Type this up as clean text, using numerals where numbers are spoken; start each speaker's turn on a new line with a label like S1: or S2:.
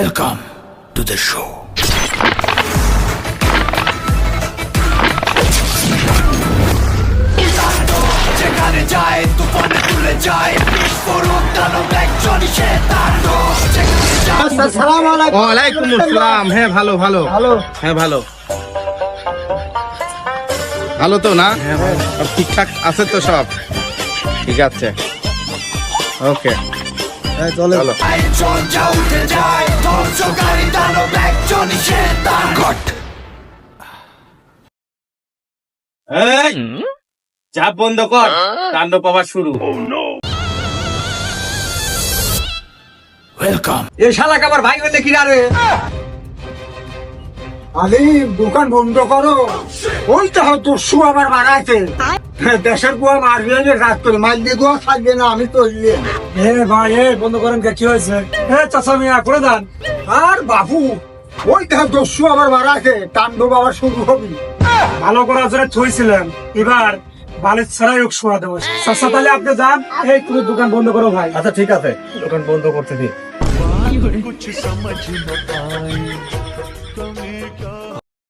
S1: Welcome to the show. যেখানে যায় তুফানে তুলে যায় বিস্ফোরক দানব একজনই সে তাণ্ডব যেখানে যায়।
S2: আসসালামু আলাইকুম।
S3: ওয়ালাইকুম আসসালাম। হ্যাঁ ভালো ভালো
S2: ভালো।
S3: হ্যাঁ ভালো ভালো তো না? সব ঠিকঠাক আছে তো? সব ঠিক আছে, ওকে
S2: চলে
S3: চলো।
S1: একজন যা উঠে যায় ধ্বংসকারী দানব একজনই সে তাণ্ডব।
S3: এই চাপ বন্ধ কর, কাণ্ড পাওয়া শুরু।
S1: Welcome.
S2: এ শালা কাবার ভাই বলে কি রে? আরে দোকান বন্ধ করো, ওই তো হয়তো শু আবার বাড়াইছে। দেশের বুয়া মারবে না, রাত করে মাইল দিয়ে দোয়া থাকবে না। আমি তো ভাই বন্ধ করেন, কি হয়েছে? চাচা মিয়া করে দেন। আর বাবু ওই দেখো দস্যু আবার বাড়াইছে, তাণ্ডব আবার শুরু হবে। ভালো করার জন্য থইছিলেন, এবার বালিশ ছাড়াই হোক শোয়া দেবো। চাচা তাহলে আপনি যান, এই তুমি দোকান বন্ধ করো ভাই। আচ্ছা ঠিক আছে, দোকান বন্ধ করতে দিই।